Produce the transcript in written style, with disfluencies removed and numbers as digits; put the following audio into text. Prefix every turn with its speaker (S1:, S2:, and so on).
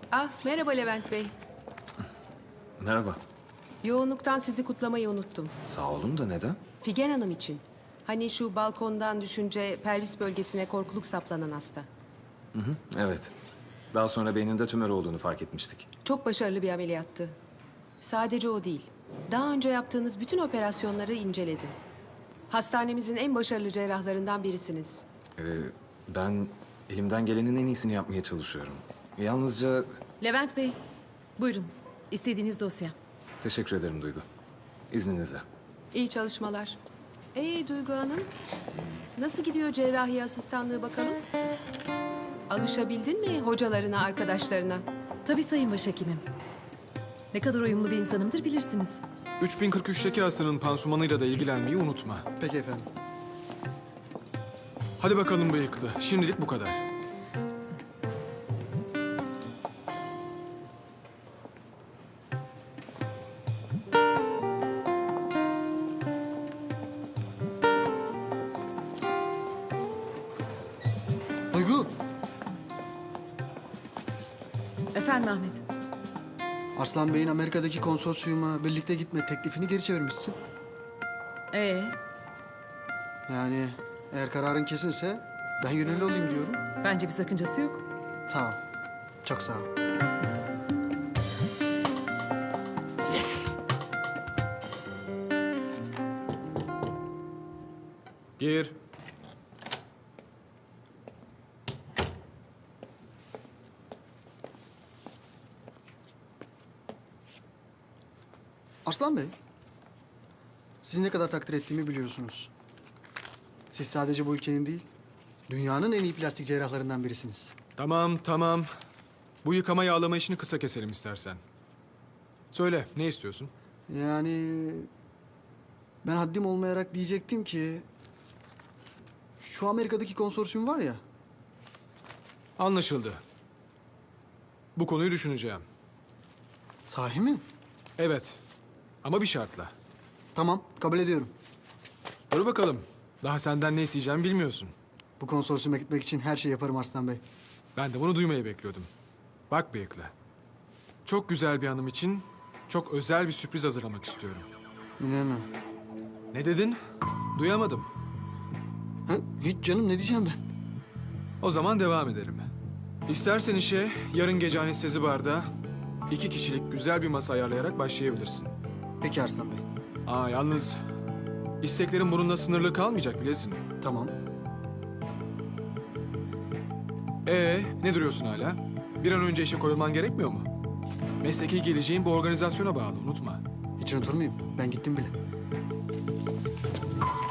S1: Ah, merhaba Levent Bey.
S2: Merhaba.
S1: Yoğunluktan sizi kutlamayı unuttum.
S2: Sağ olun da neden?
S1: Figen Hanım için. Hani şu balkondan düşünce pelvis bölgesine korkuluk saplanan hasta.
S2: Evet. Daha sonra beyninde tümör olduğunu fark etmiştik.
S1: Çok başarılı bir ameliyattı. Sadece o değil. Daha önce yaptığınız bütün operasyonları inceledim. Hastanemizin en başarılı cerrahlarından birisiniz.
S2: Ee, ben elimden gelenin en iyisini yapmaya çalışıyorum. Yalnızca
S3: Levent Bey, buyurun. İstediğiniz dosya.
S2: teşekkür ederim Duygu. İzninizle.
S1: İyi çalışmalar. Duygu Hanım, nasıl gidiyor cerrahi asistanlığı bakalım? Alışabildin mi hocalarına, arkadaşlarına?
S3: Tabii Sayın Başhekimim. Ne kadar uyumlu bir insanımdır bilirsiniz.
S4: 3043'teki hastanın pansumanıyla da ilgilenmeyi unutma.
S5: Peki efendim.
S4: Hadi bakalım bıyıklı. Şimdilik bu kadar.
S5: Duygu,
S3: Efendim Ahmet.
S5: Arslan Bey'in Amerika'daki konsorsiyuma birlikte gitme teklifini geri çevirmişsin.
S3: Ee,
S5: Yani eğer kararın kesinse ben gönüllü olayım diyorum.
S3: bence bir sakıncası yok.
S5: Sağ ol. Çok sağ ol.
S4: Gir.
S5: Arslan Bey, sizi ne kadar takdir ettiğimi biliyorsunuz. Siz sadece bu ülkenin değil, dünyanın en iyi plastik cerrahlarından birisiniz.
S4: Tamam, tamam. Bu yıkama yağlama işini kısa keselim istersen. Söyle, ne istiyorsun?
S5: Yani ben haddim olmayarak diyecektim ki şu Amerika'daki konsorsiyum var ya,
S4: Anlaşıldı. Bu konuyu düşüneceğim.
S5: sahi mi?
S4: Evet. Ama bir şartla.
S5: Tamam, kabul ediyorum.
S4: Dur bakalım. Daha senden ne isteyeceğimi bilmiyorsun.
S5: Bu konsorsiyuma gitmek için her şeyi yaparım Arslan Bey.
S4: Ben de bunu duymayı bekliyordum. Bak bıyıklı. Çok güzel bir hanım için çok özel bir sürpriz hazırlamak istiyorum.
S5: İnanamam.
S4: Ne dedin? Duyamadım.
S5: Ha, hiç canım, ne diyeceğim ben?
S4: O zaman devam edelim. İstersen işe yarın gece anestezi barda 2 kişilik güzel bir masa ayarlayarak başlayabilirsin.
S5: Peki Arslan Bey.
S4: Yalnız isteklerin bununla sınırlı kalmayacak bilesin.
S5: Tamam.
S4: Ne duruyorsun hala? Bir an önce işe koyulman gerekmiyor mu? Mesleki geleceğin bu organizasyona bağlı, unutma.
S5: Hiç unutur muyum? Ben gittim bile.